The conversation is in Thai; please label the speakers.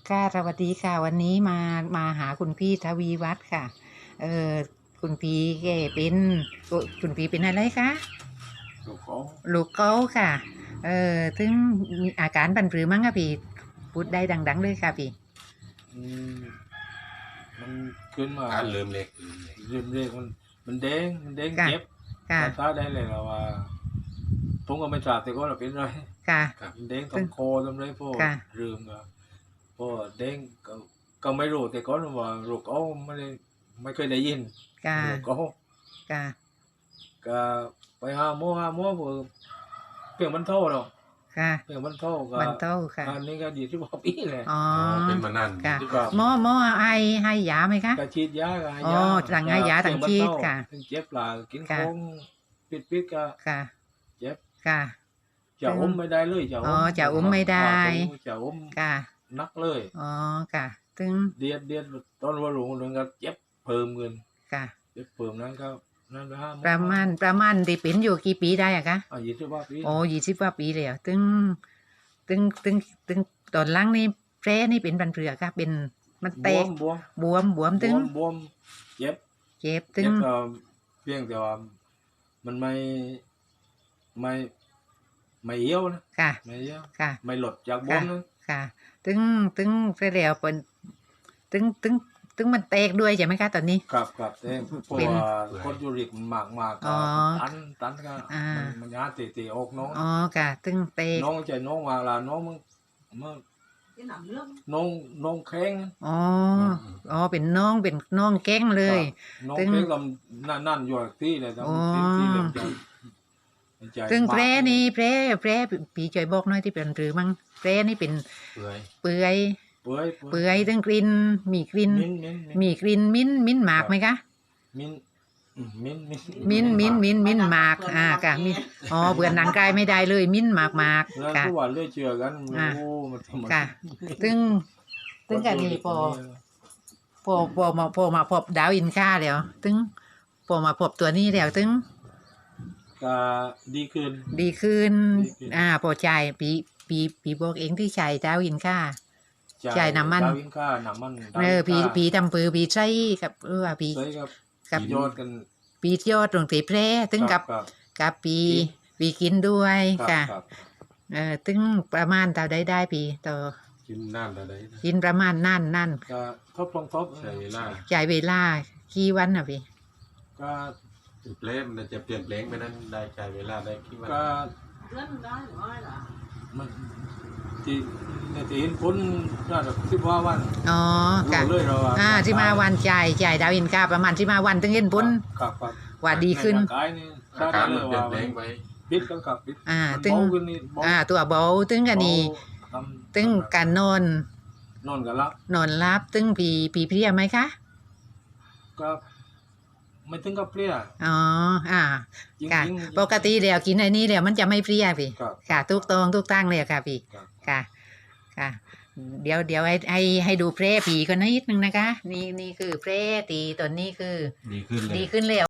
Speaker 1: ค่ะสวัสดีค่ะวันนี้มาหาคุณพี่ทวีวัฒน์ค่ะเออคุณพี่แกเป็นคุณพี่เป็นอะไรคะ
Speaker 2: ลูกเขา
Speaker 1: ลูกเก้าค่ะถึงมีอาการบันปรือมั้งคะพี่พูดได้ดังๆเลยค่ะพี่
Speaker 2: อืมมันขึ้นมา
Speaker 3: การเริ่มเล็ก
Speaker 2: เริ่มเรียกมันแดง
Speaker 1: ค่ะ
Speaker 2: เจ็บ
Speaker 1: ค่ะ
Speaker 2: ตาได้เลยเราว่าผมก็ไม่ทราบแต่ก็เราเป็นไร
Speaker 1: ค่ะ
Speaker 2: มันแดงตรงคอตรงไรพวก
Speaker 1: ค่ะ
Speaker 2: เรื่องก็พวกแดงก็ไม่รู้แต่ก็ว่าลูกเขาไม่เคยได้ยิน
Speaker 1: ค่ะ
Speaker 2: ลูกเขา
Speaker 1: ค่ะ
Speaker 2: ก็ไปหาหมอเพียงมันเท่าหรอก
Speaker 1: ค่ะ
Speaker 2: เพียงมันเท่าก็
Speaker 1: มันโตค่ะ
Speaker 2: อันนี้ก็20 กว่าปีแหละ
Speaker 1: อ๋อ
Speaker 3: เป็นมานาน
Speaker 1: ค่ะ
Speaker 3: ที่ว่า
Speaker 1: หมอให้ยาไหมคะ
Speaker 2: ก็ฉีดยาก็ให้
Speaker 1: อ๋อย
Speaker 2: า
Speaker 1: สั่งให้ยาสั่งฉีดค่ะ
Speaker 2: ถึงเจ็บหลากิน
Speaker 1: ค่ะ
Speaker 2: ของปิดก็
Speaker 1: ค่ะ
Speaker 2: เจ็บ
Speaker 1: ค่ะ
Speaker 2: จะอมไม่ได้เลยจะ
Speaker 1: อ๋อจะอมไม่ได้
Speaker 2: จะอม
Speaker 1: ค่ะ
Speaker 2: นักเลย
Speaker 1: อ๋อค่ะถึง
Speaker 2: เดียดตอนว่าหลงก็เจ็บเพิ่มเงิน
Speaker 1: ค่ะ
Speaker 2: เจ็บเพิ่มนั้นก็นั่นนะ
Speaker 1: ประมาณที่เป็นอยู่กี่ปีได้อะคะ
Speaker 2: 20 กว่าปี
Speaker 1: โอ้20 กว่าปีเลยอะตึงตอนหล่างนี่แผลนี่เป็นบันเผือกค่ะเป็นมันแตก
Speaker 2: บวม
Speaker 1: บวมตึง
Speaker 2: บวมเจ็บ
Speaker 1: เจ็บตึ
Speaker 2: เจ็
Speaker 1: ง
Speaker 2: บเพียงแต่ว่ามันไม่เยี่ยวนะ
Speaker 1: ค่ะ
Speaker 2: ไม่เยี่ยว
Speaker 1: ค่ะ
Speaker 2: ไม่หลดจากบว
Speaker 1: ค่ะ
Speaker 2: มนะ
Speaker 1: ค่ะตึงเสร็จแล้วเป็นตึงมันแตกด้วยใช่ไหมคะตอนนี้
Speaker 2: ครับแต่เพราะ
Speaker 1: เป็น
Speaker 2: ว่าคนยูริกมันมาก
Speaker 1: อ๋
Speaker 2: ก็
Speaker 1: อ
Speaker 2: ตันก็
Speaker 1: อ่า
Speaker 2: มันยาตีออกน้อง
Speaker 1: อ๋อค่ะตึงแตก
Speaker 2: น้องใจน้องมาละน้องมันน้องแข็ง
Speaker 1: อ๋ออ๋อเป็นน้องแก้งเลย
Speaker 2: น้อง
Speaker 1: ตึง
Speaker 2: แข็งลำนั่นอยู่ที่เลย
Speaker 1: อ๋อ
Speaker 2: ที่เหลี่ยมใจ
Speaker 1: ตึง
Speaker 2: มาก
Speaker 1: แผลนี่แผลปีช่วยบอกหน่อยที่เป็นหรือมั้งแผลนี่เป็น
Speaker 3: เปื่อย
Speaker 1: เปื่อย
Speaker 2: เปื่อย
Speaker 1: เปื่อยตึงกลิ่นมีกลิ่น
Speaker 2: มิ้น
Speaker 1: มีกลิ่นมิ้นหมากไหมคะ มิ้นหมากค่ะมิ้นอ๋อเบื่อหนังกายไม่ได้เลยมิ้นหมาก
Speaker 2: แล้ว
Speaker 1: ค่ะ
Speaker 2: ทุกวันเรื่อยเชื่อกัน
Speaker 1: อ่า
Speaker 2: โอ้มันทำ
Speaker 1: ค่ะตึงกันนี่พอมาพบดาวอินค่าแล้วตึงพอมาพบตัวนี้แล้วตึง
Speaker 2: ก็ดีขึ้น
Speaker 1: ดีขึ้น
Speaker 2: ดีขึ้น
Speaker 1: พอใจปีบอกเองที่ใช้ดาวอินค่า จ่ายน้ำมัน
Speaker 2: ดาวินค่าน้ำมัน
Speaker 1: ปีทำปือปีใช้กับปี
Speaker 2: ใช่ครับ
Speaker 1: กับ
Speaker 2: ยอดกัน
Speaker 1: ปียอดตรงตีแพร่ตึงกับ
Speaker 2: ครับ
Speaker 1: กับปีกินด้วย
Speaker 2: ครับ
Speaker 1: ค่ะ
Speaker 2: ครับ
Speaker 1: ตึงประมาณเท่าได้ปีต่อ
Speaker 3: กินน้ำอะไร
Speaker 1: กินประมาณนั่น
Speaker 2: ก็ลองทบ
Speaker 3: ใช้เวลา
Speaker 1: จ่ายเวลากี่วันอ่ะพี่
Speaker 2: ก็
Speaker 3: เปลี่ยนมันจะเปลี่ยนแปลงไปนั้นได้ใช้เวลาได้กี่วัน
Speaker 2: ก็
Speaker 4: เลื่อนได้หรือไม่ล่ะ
Speaker 2: มันที่เห็นผลน่าจะ15 วัน
Speaker 1: อ๋อค่ะ
Speaker 2: รู้เลยเราว่า
Speaker 1: ที่มาวันจ่ายดาวอินค่าประมาณที่มาวันตึงเห็นผล
Speaker 2: ครับ
Speaker 1: ว่าดีขึ้น
Speaker 2: ใร่างกายนี่
Speaker 3: อาการ
Speaker 2: ได้
Speaker 3: มัน
Speaker 2: เลย
Speaker 3: เปลี่ย
Speaker 2: ว่าน
Speaker 3: แปลงไป
Speaker 2: ปิดกันครับปิด มัน
Speaker 1: ตึง
Speaker 2: เบาขึ้นนี่เบา
Speaker 1: ตัวเบาตึงกันนี่
Speaker 2: เบา
Speaker 1: ตึงการนอน
Speaker 2: นอนกันละ
Speaker 1: นอนรับตึงผีเพลียไหมคะ
Speaker 2: ก็ไม่ถึงกับเพลีย
Speaker 1: อ๋อ
Speaker 2: จริง
Speaker 1: ค่ะ
Speaker 2: ๆ
Speaker 1: ปกติแล้วกินไอ้นี่แล้วมันจะไม่เพลียพี่
Speaker 2: ครับ
Speaker 1: ค่ะทุกตรงทุกตั้งเลยค่ะพี่
Speaker 2: ครับ
Speaker 1: ค่ะเดี๋ยวให้ดูแพร่ผีกันนิดนึงนะคะนี่คือแพร่ตีตอนนี้คือ
Speaker 3: ดีขึ้นเลย
Speaker 1: ดีขึ้นแล้ว